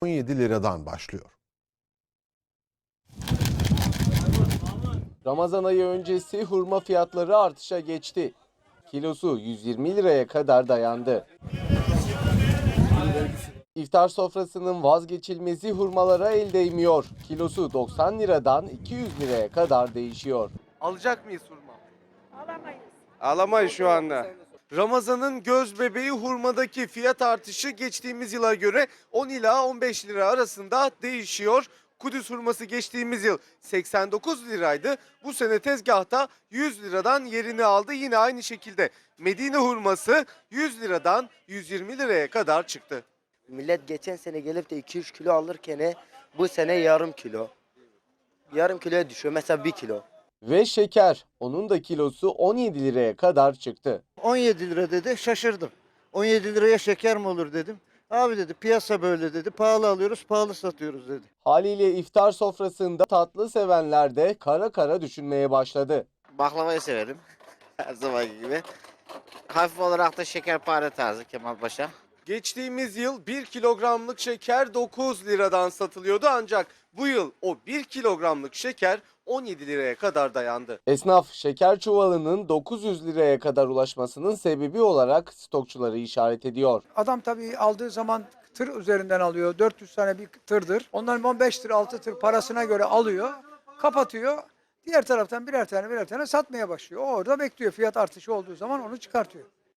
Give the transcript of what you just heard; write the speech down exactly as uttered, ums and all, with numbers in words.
on yedi liradan başlıyor. Ramazan ayı öncesi hurma fiyatları artışa geçti. Kilosu yüz yirmi liraya kadar dayandı. İftar sofrasının vazgeçilmezi hurmalara el değmiyor. Kilosu doksan liradan iki yüz liraya kadar değişiyor. Alacak mıyız hurma? Alamayız. Alamayız şu anda. Ramazan'ın göz bebeği hurmadaki fiyat artışı geçtiğimiz yıla göre on ila on beş lira arasında değişiyor. Kudüs hurması geçtiğimiz yıl seksen dokuz liraydı. Bu sene tezgahta yüz liradan yerini aldı. Yine aynı şekilde Medine hurması yüz liradan yüz yirmi liraya kadar çıktı. Millet geçen sene gelip de iki üç kilo alırken bu sene yarım kilo. Yarım kiloya düşüyor mesela bir kilo. Ve şeker, onun da kilosu on yedi liraya kadar çıktı. on yedi lira dedi, şaşırdım. on yedi liraya şeker mi olur dedim. Abi dedi piyasa böyle dedi, pahalı alıyoruz pahalı satıyoruz dedi. Haliyle iftar sofrasında tatlı sevenler de kara kara düşünmeye başladı. Baklavayı severim. Her zamanki gibi. Hafif olarak da şekerpare tarzı Kemal Paşa. Geçtiğimiz yıl bir kilogramlık şeker dokuz liradan satılıyordu ancak bu yıl o bir kilogramlık şeker on yedi liraya kadar dayandı. Esnaf şeker çuvalının dokuz yüz liraya kadar ulaşmasının sebebi olarak stokçuları işaret ediyor. Adam tabii aldığı zaman tır üzerinden alıyor. dört yüz tane bir tırdır. Onların on beş tır altı tır parasına göre alıyor. Kapatıyor. Diğer taraftan birer tane birer tane satmaya başlıyor. O orada bekliyor. Fiyat artışı olduğu zaman onu çıkartıyor.